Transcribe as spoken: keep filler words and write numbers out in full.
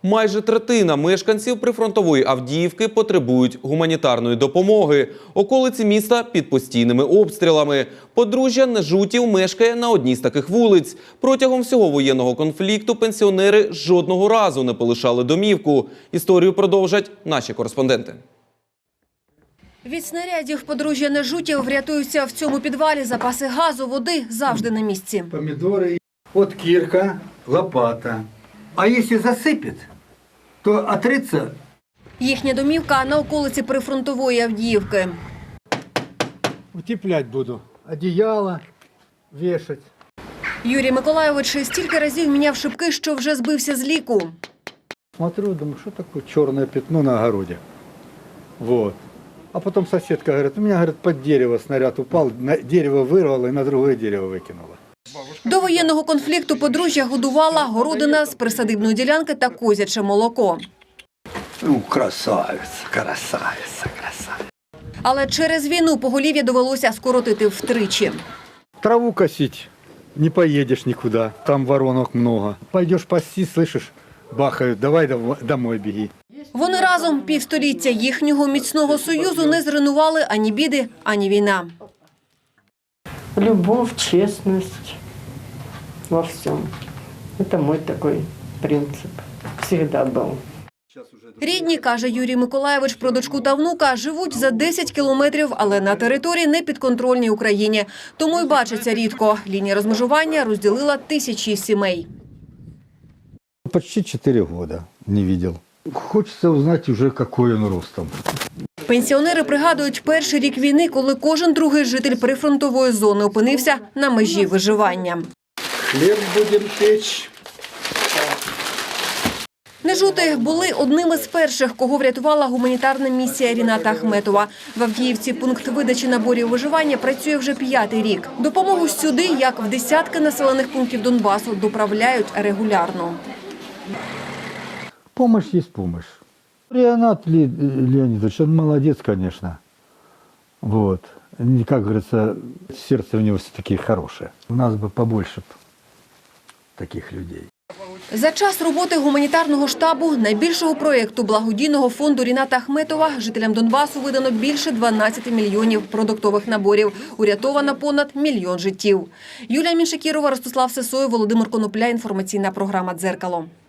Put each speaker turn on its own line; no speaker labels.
Майже третина мешканців прифронтової Авдіївки потребують гуманітарної допомоги. Околиці міста під постійними обстрілами. Подружжя Нежутів мешкає на одній з таких вулиць. Протягом всього воєнного конфлікту пенсіонери жодного разу не полишали домівку. Історію продовжать наші кореспонденти.
Від снарядів подружжя Нежутів врятуються в цьому підвалі. Запаси газу, води завжди на місці.
Помідори, от кірка, лопата. А якщо засипить, то отриться.
Їхня домівка на околиці прифронтової Авдіївки.
Утеплять буду. Одіяло вішать.
Юрій Миколайович стільки разів міняв шибки, що вже збився з ліку.
Смотрю, думаю, що таке чорне пятно на огороді. Вот. А потім сусідка говорить, у мене, говорить, під дерево снаряд упав, дерево вирвало і на друге дерево викинуло.
До воєнного конфлікту подружжя годувала городина з присадибної ділянки та козяче молоко.
Ну, красавиця, красавиця, красавиця.
Але через війну поголів'я довелося скоротити втричі.
Траву косить, не поїдеш нікуди, там воронок много. Пойдеш пасти, слышиш, бахають, давай домой біги.
Вони разом півстоліття. Їхнього міцного союзу не зруйнували ані біди, ані війна.
Любовь, честность во всем. Это мой такой принцип. Всегда был.
Рідні, каже Юрій Миколайович про дочку та внука, живуть за десять кілометрів, але на території непідконтрольній Україні. Тому й бачаться рідко. Лінія розмежування розділила тисячі сімей.
Почти чотири роки не бачив. Хочеться узнати вже, який він ростом.
Пенсіонери пригадують перший рік війни, коли кожен другий житель прифронтової зони опинився на межі виживання.
Хліб будемо печь.
Нежути були одними з перших, кого врятувала гуманітарна місія Ріната Ахметова. В Авдіївці пункт видачі наборів виживання працює вже п'ятий рік. Допомогу сюди, як в десятки населених пунктів Донбасу, доправляють регулярно.
Помощь есть помощь. Ренат Леонидович, он молодец, конечно. Вот. Как говорится, сердце у него все-таки хорошее. У нас бы побольше таких людей.
За час роботи гуманітарного штабу найбільшого проєкту благодійного фонду Ріната Ахметова жителям Донбасу видано більше дванадцяти мільйонів продуктових наборів. Урятовано понад мільйон життів. Юлія Міншакірова, Ростислав Сисоєв, Володимир Конопля. Інформаційна програма «Дзеркало».